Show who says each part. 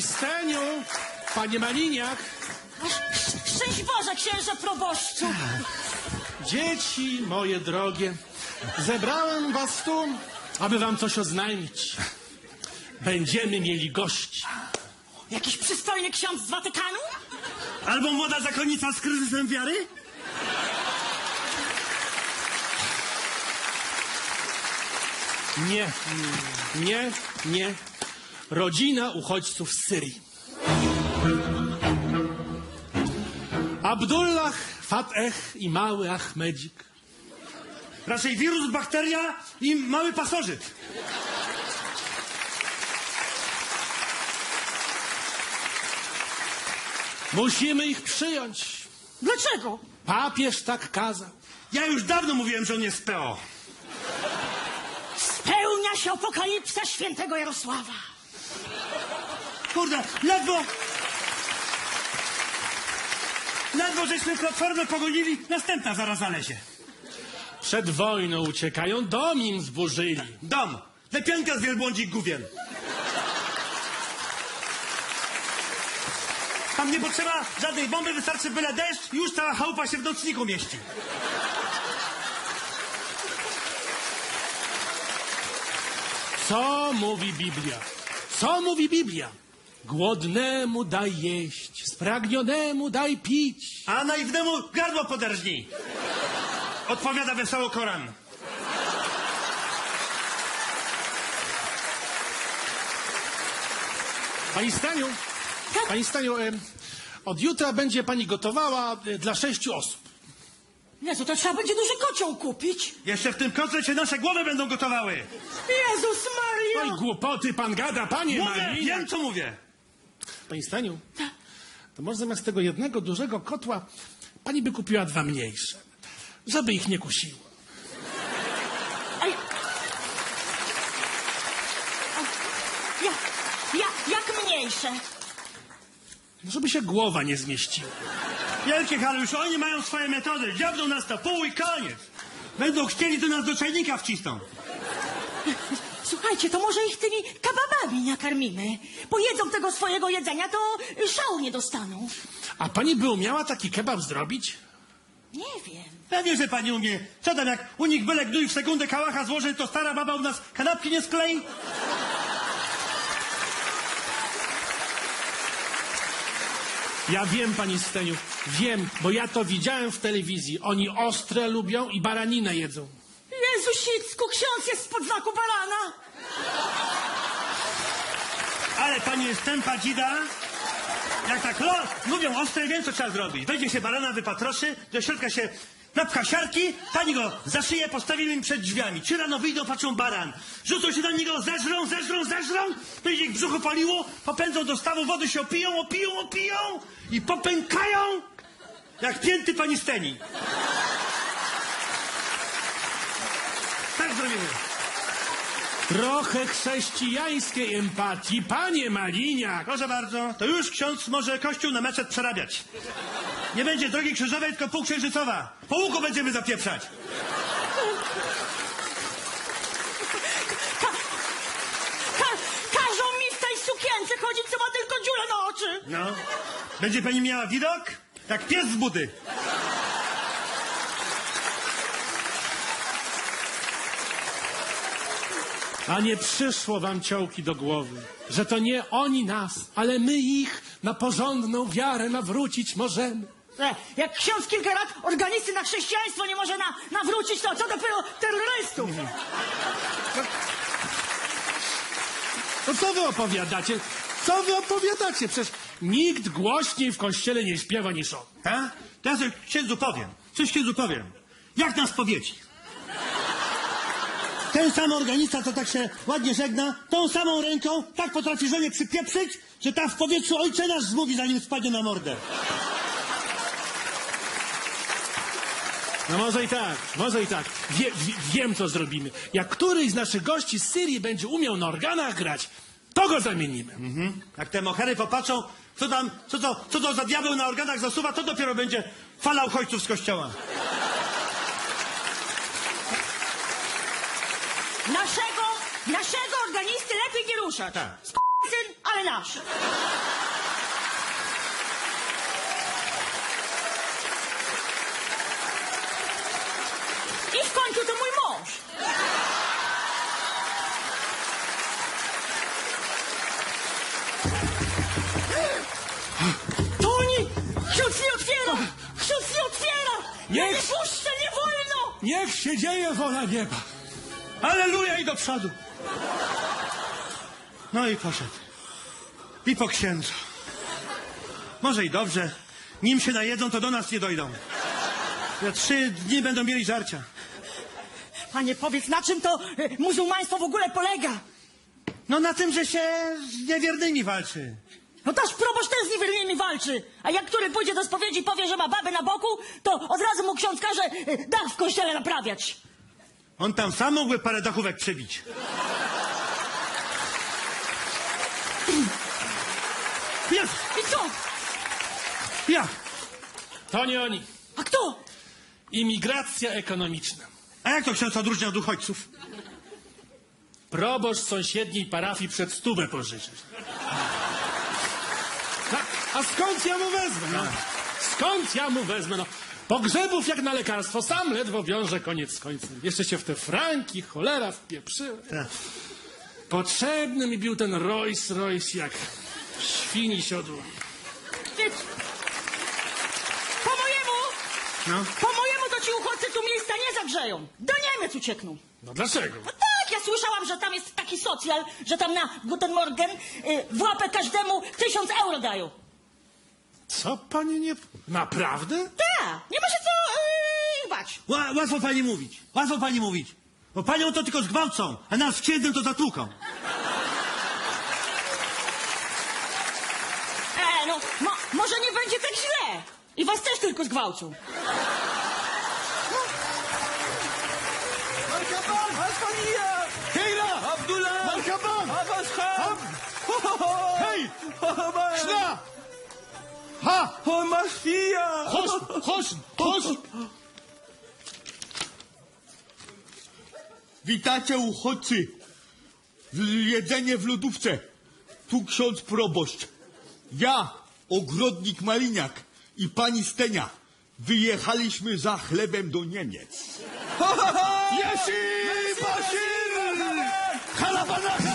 Speaker 1: Pani Steniu, panie Maliniak.
Speaker 2: Szczęść Boże, księże proboszczu.
Speaker 1: Dzieci moje drogie, zebrałem was tu, aby wam coś oznajmić. Będziemy mieli gości.
Speaker 2: Jakiś przystojny ksiądz z Watykanu?
Speaker 3: Albo młoda zakonnica z kryzysem wiary?
Speaker 1: Nie. Rodzina uchodźców z Syrii. Abdullah, Fateh i mały Ahmedzik.
Speaker 3: Raczej wirus, bakteria i mały pasożyt.
Speaker 1: Musimy ich przyjąć.
Speaker 2: Dlaczego?
Speaker 1: Papież tak kazał.
Speaker 3: Ja już dawno mówiłem, że on jest PO.
Speaker 2: Spełnia się apokalipsa świętego Jarosława.
Speaker 3: Kurde, ledwo żeśmy Platformę pogonili, następna zaraz zalezie.
Speaker 1: Przed wojną uciekają, dom im zburzyli.
Speaker 3: Dom, lepianka z wielbłądzik gówien. Tam nie potrzeba żadnej bomby, wystarczy byle deszcz i już cała chałupa się w nocniku mieści.
Speaker 1: Co mówi Biblia? Co mówi Biblia? Głodnemu daj jeść, spragnionemu daj pić.
Speaker 3: A naiwnemu gardło poderżnij. Odpowiada wesoło Koran.
Speaker 1: Pani Staniu, od jutra będzie pani gotowała dla 6 osób.
Speaker 2: Jezu, to trzeba będzie duży kocioł kupić.
Speaker 3: Jeszcze w tym kotle się nasze głowy będą gotowały.
Speaker 2: Jezus Maria!
Speaker 1: Oj, głupoty pan gada, panie
Speaker 3: Mówię,
Speaker 1: Maliniak.
Speaker 3: wiem co mówię.
Speaker 1: Pani Staniu, to może zamiast tego jednego dużego kotła pani by kupiła 2 mniejsze, żeby ich nie kusiło.
Speaker 2: Ej. Jak mniejsze?
Speaker 1: Żeby się głowa nie zmieściła.
Speaker 3: Wielkie Halusz, oni mają swoje metody. Dziabną nas na pół i koniec. Będą chcieli, to nas do czajnika wcisną.
Speaker 2: Słuchajcie, to może ich tymi kebabami nakarmimy. Pojedzą tego swojego jedzenia, to szału nie dostaną.
Speaker 1: A pani by umiała taki kebab zrobić?
Speaker 2: Nie wiem.
Speaker 3: Pewnie, że pani umie. Co tam, jak u nich byle gnój w sekundę kałacha złoży, to stara baba u nas kanapki nie sklei?
Speaker 1: Ja wiem, pani Steniu, wiem, bo ja to widziałem w telewizji. Oni ostre lubią i baraninę jedzą.
Speaker 2: Jezusicku, ksiądz jest spod znaku barana.
Speaker 3: Ale pani jest tępa dzida. Jak tak lubią ostre, wiem co trzeba zrobić. Wejdzie się barana, wypatroszy, do środka się napcha siarki, pani go za szyję postawimy im przed drzwiami. Czy rano wyjdą, patrzą baran. Rzucą się na niego, zeżrą, będzie ich brzucho paliło, popędzą do stawu wody, się opiją i popękają jak pięty pani Steni. Tak zrobimy.
Speaker 1: Trochę chrześcijańskiej empatii, panie Maliniak.
Speaker 3: Proszę bardzo, to już ksiądz może kościół na meczet przerabiać. Nie będzie drogi krzyżowej, tylko półksiężycowa. Po łuku będziemy zapieprzać.
Speaker 2: Każą mi w tej sukience chodzić, co ma tylko dziurę na oczy.
Speaker 3: No. Będzie pani miała widok? Jak pies z budy.
Speaker 1: A nie przyszło wam ciołki do głowy, że to nie oni nas, ale my ich na porządną wiarę nawrócić możemy.
Speaker 2: Jak ksiądz kilka lat organisty na chrześcijaństwo nie może nawrócić, to co dopiero terrorystów?
Speaker 1: No co wy opowiadacie? Co wy opowiadacie? Przecież nikt głośniej w kościele nie śpiewa niż on.
Speaker 3: A? To ja coś księdzu powiem. Jak nas powieci? Ten sam organista, co tak się ładnie żegna, tą samą ręką tak potrafi żonie przypieprzyć, że ta w powietrzu ojcze nasz zmówi, zanim spadnie na mordę.
Speaker 1: No może i tak. Wiem, co zrobimy. Jak któryś z naszych gości z Syrii będzie umiał na organach grać, to go zamienimy.
Speaker 3: Jak te mohery popatrzą, co to za diabeł na organach zasuwa, to dopiero będzie fala uchodźców z kościoła.
Speaker 2: Naszego organisty lepiej nie ruszać.
Speaker 3: Tak.
Speaker 2: Syn, a ale nasz. I w końcu to mój mąż. Toni! Ksiądz nie otwiera! Ksiądz nie otwiera! Ja nie
Speaker 1: Niech-
Speaker 2: puszczę, nie wolno!
Speaker 1: Niech się dzieje wola nieba.
Speaker 3: Aleluja i do przodu. No i poszedł. I po księdzu. Może i dobrze. Nim się najedzą, to do nas nie dojdą. Za 3 dni będą mieli żarcia.
Speaker 2: Panie, powiedz, na czym to muzułmaństwo w ogóle polega?
Speaker 3: No na tym, że się z niewiernymi walczy.
Speaker 2: No też proboszcz też z niewiernymi walczy. A jak który pójdzie do spowiedzi i powie, że ma babę na boku, to od razu mu ksiądz każe dach w kościele naprawiać.
Speaker 3: On tam sam mógłby parę dachówek przebić. Jest!
Speaker 2: I co?
Speaker 3: Ja!
Speaker 1: To nie oni.
Speaker 2: A kto?
Speaker 1: Imigracja ekonomiczna.
Speaker 3: A jak to ksiądz odróżnia od uchodźców?
Speaker 1: Proboszcz sąsiedniej parafii przed 100 pożyczyć. A skąd ja mu wezmę? No? Skąd ja mu wezmę? No, pogrzebów jak na lekarstwo. Sam ledwo wiąże koniec z końcem. Jeszcze się w te franki, cholera, wpieprzyłem.
Speaker 3: Tak.
Speaker 1: Potrzebny mi był ten Rolls Royce jak świni siodło.
Speaker 2: Ty...
Speaker 3: No.
Speaker 2: Po mojemu to ci uchodźcy tu miejsca nie zagrzeją. Do Niemiec uciekną.
Speaker 1: No dlaczego?
Speaker 2: No tak, ja słyszałam, że tam jest taki socjal, że tam na Guten Morgen w łapę każdemu 1000 euro dają.
Speaker 1: Co pani nie... Naprawdę?
Speaker 2: Tak, nie ma się co bać.
Speaker 3: Łatwo pani mówić. Łatwo pani mówić. Bo panią to tylko zgwałcą, a nas z księdzem to zatłuką.
Speaker 2: No, może nie będzie tak źle. I was też tylko zgwałcą.
Speaker 4: مرحبا اسبانيا كيرا عبد الله مرحبا ابا اصحاب
Speaker 1: Hej! Szla! Ha!
Speaker 4: هو ماشية
Speaker 1: Chodź!
Speaker 5: Witajcie uchodźcy. Jedzenie w lodówce. Tu ksiądz proboszcz. Ja, ogrodnik Maliniak i pani Stenia wyjechaliśmy za chlebem do Niemiec.
Speaker 4: ياسين بشير
Speaker 5: Halabana!